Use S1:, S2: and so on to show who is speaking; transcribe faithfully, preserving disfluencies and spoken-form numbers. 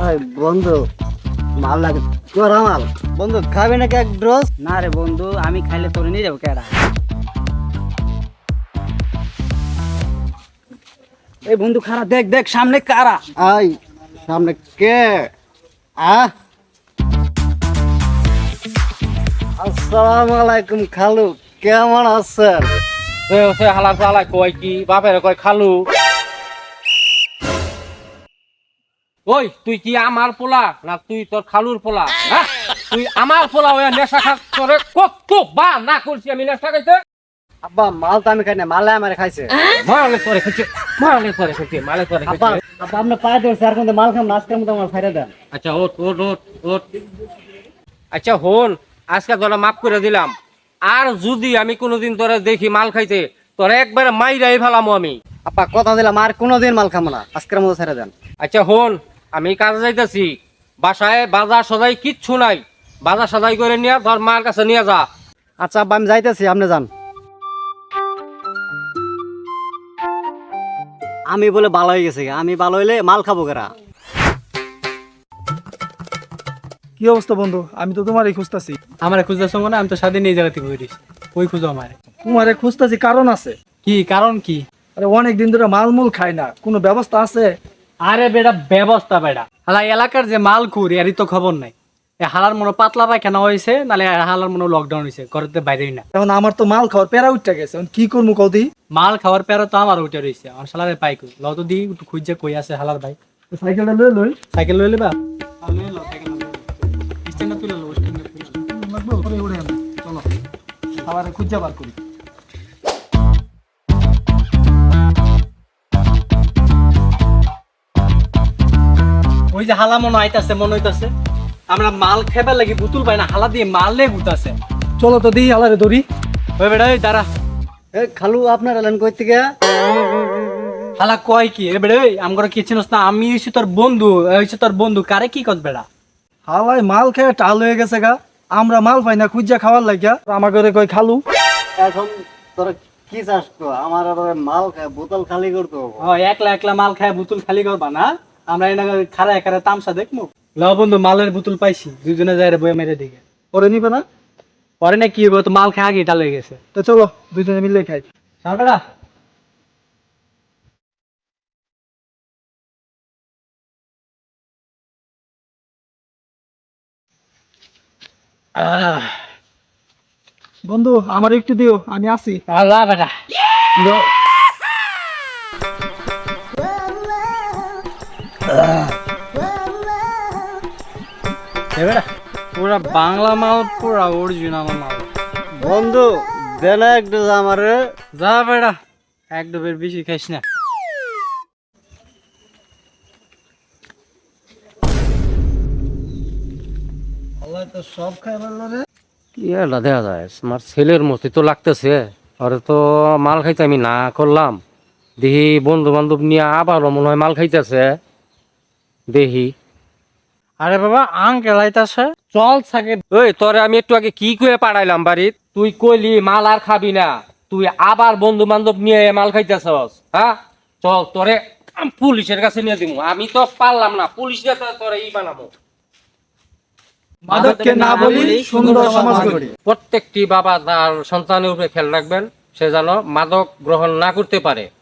S1: বন্ধু মাল লাগে করা মাল বন্ধু খাবে নাকি এক ড্রস?
S2: না রে বন্ধু, আমি খাইলে তোরে নিয়ে যাবো কেডা? এই বন্ধু খারা, দেখ দেখ সামনে কারা।
S1: আই সামনে কে? আহ আসসালামু আলাইকুম খালু, কেমন আছেন?
S3: হালার চালাই কয় কি বাপের কয় খালু। ওই তুই কি আমার পোলা না তুই তোর খালুর পোলা? হ্যাঁ? তুই আমার পোলা ওই নেশা খা করে কত বা না করছি আমি নেশা খাইতে?
S1: আব্বা মাল তো আমি খাই না, মালে আমার খাইছে।
S3: মালে করে খাইছে, মালে করে খাইছে, মালে করে
S1: আব্বা
S3: খাইছে।
S1: আব্বা আপনি পায়ে ধরছে আর কোন মাল খাম না, আজকের মতো আমার ফাইরা দেন।
S3: আচ্ছা ওট ওট ওট ওট আচ্ছা হন, আজকে তোরা মাফ করে দিলাম। আর যদি আমি কোনোদিন তোরা দেখি মাল খাইতে তোরা একবারে মাইরাই ফেলামো আমি।
S1: আব্বা কথা দিলাম আর কোনোদিন মাল খাবো না, আজকের মতো ছেড়ে দেন।
S3: আচ্ছা হন, আমি কাজে যাইতেছি, বাসায় বাজার সদাই কিচ্ছু নাই, বাজার সদাই করে নিয়ে তোর মার কাছে নিয়ে যা।
S1: আচ্ছা আব্বা আমি যাইতেছি, আপনি যান। আমি বলে ভালো হয়ে গেছে, আমি ভালো হইলে মাল খাবো কেরা?
S4: কি অবস্থা বন্ধু? আমি তো তোমারই খুঁজতাছি।
S5: আমার খুঁজতেছো মানে আমি তো স্বাধীন এই জায়গা থেকে বেরিয়েছি। ওই খুঁজো আমার।
S4: তোমারে খুঁজতাছি কারণ আছে।
S5: কি কারণ? কি?
S4: আরে অনেক দিন ধরে মালমূল খাই না, কোনো ব্যবস্থা আছে?
S5: আরে বেটা ব্যবস্থা বেটা, হালা এলাকার যে মাল খুর এরই তো খবর নাই। এ হালার মনে পাতলা পায়খানা হয়েছে, নালে হালার মনে লকডাউন হয়েছে, ঘরেতে বাইরেই না।
S4: এখন আমার তো মাল খাওয়ার প্যারা উঠতে গেছে, এখন কি করবো কদি?
S5: মাল খাওয়ার পেরা তো আমার উঠে রয়েছে, আমার শালারে পাই কই ল তো দি একটু খুঁজে কই আছে হালার ভাই।
S4: সাইকেলটা লই লই
S5: সাইকেল লই লেবা? স্ট্যান্ডে তুলে লো, স্ট্যান্ডে তুলে লো।
S4: লাগবে ওরে ওরে আনো। চলো আবার খুঁজে বার করি।
S5: ওই যে হালা মনে আইতাছে, মনে হইতাছে আমরা মাল খেবার লাগি বুতুল পাই না, হালা দিয়ে মাল লে গুতাছে।
S4: চলো তো দিই আলারে ধরি।
S5: ওই বেটা ওই দাঁড়া,
S1: এ খালু আপনার এলেন কই থেকে?
S5: হালা কয় কি এ বেটা? ওই আমগরে কি চিনস না? আমি হইছি তোর বন্ধু, হইছি তোর বন্ধু, কারে কি কস বেটা?
S4: হালাই মাল খেয়ে টাল হয়ে গেছে গা, আমরা মাল পাই না, খুঁজা খাওয়ার লাগিয়া আমার ঘরে কই খালু।
S1: এখন তোরা কি চাস তো? আমার আবার মাল খায় বোতল খালি করতে হবে।
S5: ও একলা একলা মাল খায় বুতুল খালি করবা না? আমরা এনে খারা একারে তামসা দেখমু। ল বন্ধু মালের বুতুল পাইছি, দুইজনে যাই রে বয়ে মেরে দিকে।
S4: পরে নিবে না?
S5: পরে না কি হইব, তো মাল খেয়ে আগে টাল হয়ে গেছে।
S4: তো চলো দুইজনে মিলে খাই।
S5: সামনেটা
S4: বন্ধু আমার একটু দিও, আমি আসি।
S5: আল্লাহ বেটা বেটা পুরা বাংলা মাল, পুরা অরিজিনাল মাল।
S1: বন্ধু দেন একটু আমার।
S5: যা বেটা, এক ডুবের বেশি খাইস না।
S4: তো সব খাই বললো রে।
S3: ইয়েটা দেখা যায় আমার ছেলের মতো তো লাগতেছে। আরে তো মাল খাইতে আমি না করলাম, দেখি বন্ধু বান্ধব নিয়ে আবারও মনে হয় মাল খাইতেছে। দেখি
S5: আরে বাবা আঙ্কেল আইতাছে, চল থাকে।
S3: ওই তোরে আমি একটু আগে কি কয়ে পাঠাইলাম বাড়িত, তুই কইলি মাল আর খাবি না, তুই আবার বন্ধু বান্ধব নিয়ে মাল খাইতেছস। হ্যাঁ চল তোরে আম পুলিশের কাছে নিয়ে দিব। আমি তো পারলাম না, পুলিশ দিয়ে তো তোরে ই বানাবো।
S4: মাদককে না বলি সুন্দর সমাজ গড়ি।
S3: প্রত্যেকটি বাবা তার সন্তানের উপরে খেয়াল রাখবেন, সে যেন মাদক গ্রহণ না করতে পারে।